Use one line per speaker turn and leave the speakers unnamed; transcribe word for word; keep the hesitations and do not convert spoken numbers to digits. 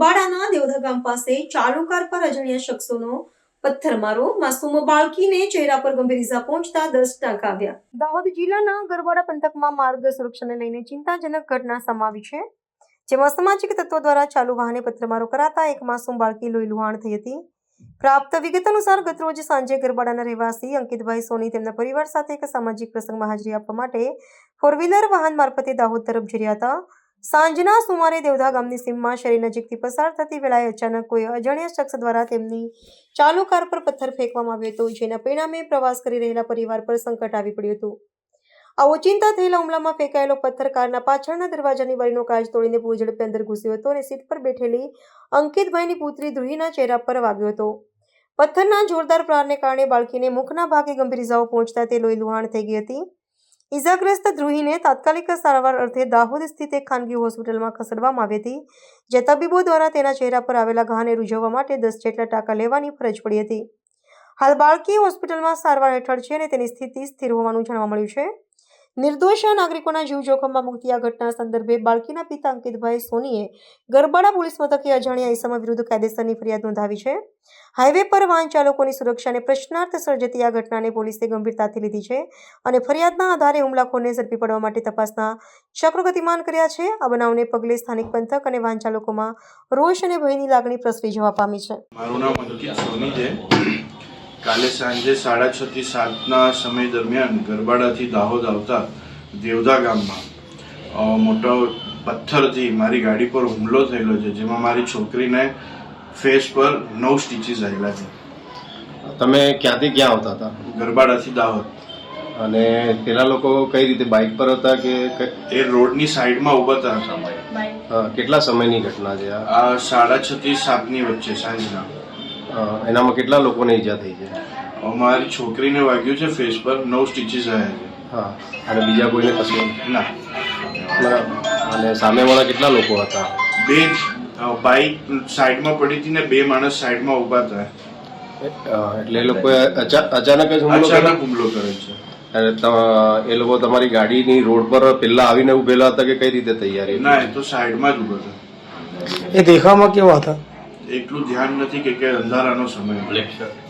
ગરબાડાના દેવધા ગામ પાસે ચાલુ કાર પર અજાણ્યા શખ્સોનો પથ્થરમારો, માસૂમ બાળકીને ચહેરા પર ગંભીર ઇજા પહોંચતા દસ ટાંકા આવ્યા। દાહોદ જિલ્લાના ગરબાડા પંથકમાં માર્ગ સુરક્ષાને લઈને ચિંતાજનક ઘટના સામે આવી છે, જેમાં અસામાજિક તત્વો દ્વારા ચાલુ વાહને પથ્થરમારો કરાતા એક માસૂમ બાળકી લોહી લુહાણ થઈ હતી। પ્રાપ્ત વિગત અનુસાર ગતરોજ સાંજે ગરબાડાના રહેવાસી અંકિતભાઈ સોની તેમના પરિવાર સાથે એક સામાજિક પ્રસંગમાં હાજરી આપવા માટે ફોર વ્હીલર વાહન મારફતે દાહોદ તરફ જઈ રહ્યા હતા। સાંજના સુમારે દેવધા ગામની સીમમાં શેરી નજીકથી પસાર થતી વેળાએ અચાનક કોઈ અજાણ્યા શખ્સ દ્વારા તેમની ચાલુ કાર પર પથ્થર ફેંકવામાં આવ્યો હતો, જેના પરિણામે પ્રવાસ કરી રહેલા પરિવાર પર સંકટ આવી પડ્યું હતું। આ ઓચિંતા થયેલા હુમલામાં ફેંકાયેલો પથ્થર કારના પાછળના દરવાજાની બારીનો કાચ તોડીને પૂર ઝડપે અંદર ઘૂસ્યો હતો અને સીટ પર બેઠેલી અંકિતભાઈની પુત્રી ધ્રુહીના ચહેરા પર વાગ્યો હતો। પથ્થરના જોરદાર પ્રહારને કારણે બાળકીને મુખના ભાગે ગંભીર ઇજાઓ પહોંચતા તે લોહી લુહાણ થઈ ગઈ હતી। ઇજાગ્રસ્ત ધ્રુહીને તાત્કાલિક સારવાર અર્થે દાહોદ સ્થિત એક ખાનગી હોસ્પિટલમાં ખસેડવામાં આવી હતી, જે તબીબો દ્વારા તેના ચહેરા પર આવેલા ઘાને રૂઝવવા માટે દસ જેટલા ટાંકા લેવાની ફરજ પડી હતી। હાલ બાળકી હોસ્પિટલમાં સારવાર હેઠળ છે અને તેની સ્થિતિ સ્થિર હોવાનું જાણવા મળ્યું છે। નિર્દોષ નાગરિકોના જીવ જોખમમાં મૂકતી આ ઘટના સંદર્ભે બાળકીના પિતા અંકિતભાઈ સોનીએ ગરબાડા પોલીસ મથકે અજાણ્યા ઇસમ વિરુદ્ધ કાયદેસરની ફરિયાદ નોંધાવી છે। હાઈવે પર વાહન ચાલકોની સુરક્ષાને પ્રશ્નાર્થ સર્જતી આ ઘટનાને પોલીસે ગંભીરતાથી લીધી છે અને ફરિયાદના આધારે હુમલાખોરને ઝડપી પાડવા માટે તપાસના ચક્રો ગતિમાન કર્યા છે। આ બનાવને પગલે સ્થાનિક પંથક અને વાહન ચાલકોમાં રોષ અને ભયની લાગણી પ્રસરી જવા પામી છે।
મારું નામ અંકિત સોની છે। કાલે સાંજે સાડા છ થી સાતના સમય દરમિયાન ગરબાડાથી દાહોદ આવતા દેવધા ગામમાં મોટો પથ્થરથી મારી ગાડી પર હુમલો થયેલો છે, જેમાં મારી છોકરીને ફેસ પર નવ સ્ટીચીસ આવેલા છે।
તમે ક્યાંથી ક્યાં આવતા હતા?
ગરબાડાથી દાહોદ।
અને પેલા લોકો કઈ રીતે બાઇક પર હતા કે
એ રોડની સાઈડમાં ઊભા હતા।
કેટલા સમયની ઘટના છે
આ? સાડા છ થી સાતની વચ્ચે સાંજના।
એનામાં કેટલા લોકોને ઈજા થઈ છે?
મારી છોકરીને વાગ્યું છે ફેસ પર, નવ સ્ટીચીસ આવ્યા છે।
હા, અને બીજા કોઈને કશું
ના?
અને સામેવાળા કેટલા લોકો હતા?
બે બાઇક સાઈડમાં પડી હતી ને બે માણસ સાઈડમાં ઊભા હતા।
એટલે એ લોકોએ અચાનક જ હુમલો
અચાનક હુમલો કર્યો છે।
અને એ લોકો તમારી ગાડીની રોડ પર પેલા આવીને ઉભેલા હતા કે કઈ રીતે તૈયારી?
ના, એ તો સાઈડમાં જ ઊભા હતા।
એ દેખાવમાં કેવા હતા?
એટલું ધ્યાન નથી કે અંધારાનો સમય।